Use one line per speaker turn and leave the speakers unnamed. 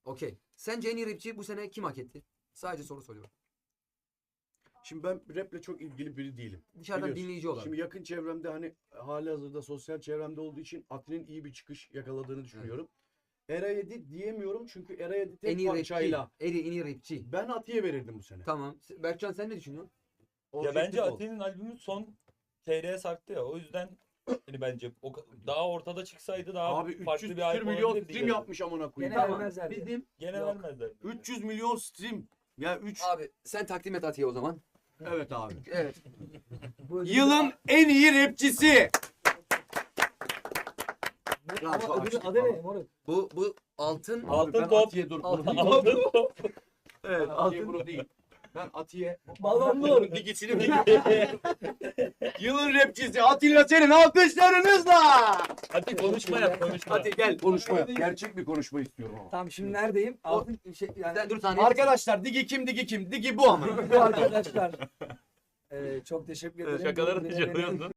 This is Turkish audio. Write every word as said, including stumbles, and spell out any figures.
Okey. Sence en iyi rapçi bu sene kim hak etti? Sadece soru soruyorum.
Şimdi ben raple çok ilgili biri değilim.
Dışarıdan
Biliyorsun.
dinleyici olarak.
Şimdi yakın çevremde hani hali hazırda sosyal çevremde olduğu için Ati'nin iyi bir çıkış yakaladığını düşünüyorum. Era yedi diyemiyorum çünkü Era yedi
En
tek
iyi rapçi.
parçayla.
En iyi, en iyi rapçi.
Ben Ati'ye verirdim bu sene.
Tamam. Berkcan sen ne düşünüyorsun?
Ya
Objektif
bence
ol.
Ati'nin albümü son T R'ye sarktı ya. O yüzden hani bence o, daha ortada çıksaydı daha
Abi
farklı
üç yüz
bir
küsür
albüm
milyon
olabilirdi
stream
yani.
yapmış amına koyayım.
Gene
Tamam.
vermezler diye.
Bizim
Gene
Yok.
vermezler.
üç yüz milyon stream. Ya üç
abi sen takdim et Atiye o zaman.
Evet abi.
Evet.
Bu ödülü-
Yılın en iyi rapçisi.
Ama ödülün adı ne moruk?
Bu bu altın
Abi
Altın
ben
top.
Atiye dur.
Altın
bunu
top.
değil.
Aldın.
Evet Atiye bunu değil. Ben Atiye
Balonlu.
digisini Yılın rapçisi Atilla Senin alkışlarınızla.
Hadi konuşma yap konuşma.
Hadi gel konuşma yap. Gerçek bir konuşma istiyorum ama.
Tamam şimdi neredeyim? Altın şey yani
Sen dur saniye.
Arkadaşlar digi kim digi kim? Digi bu ama.
bu arkadaşlar. Ee, çok teşekkür ederim.
Şakaları
Bu
da
beni-
yapıyordun.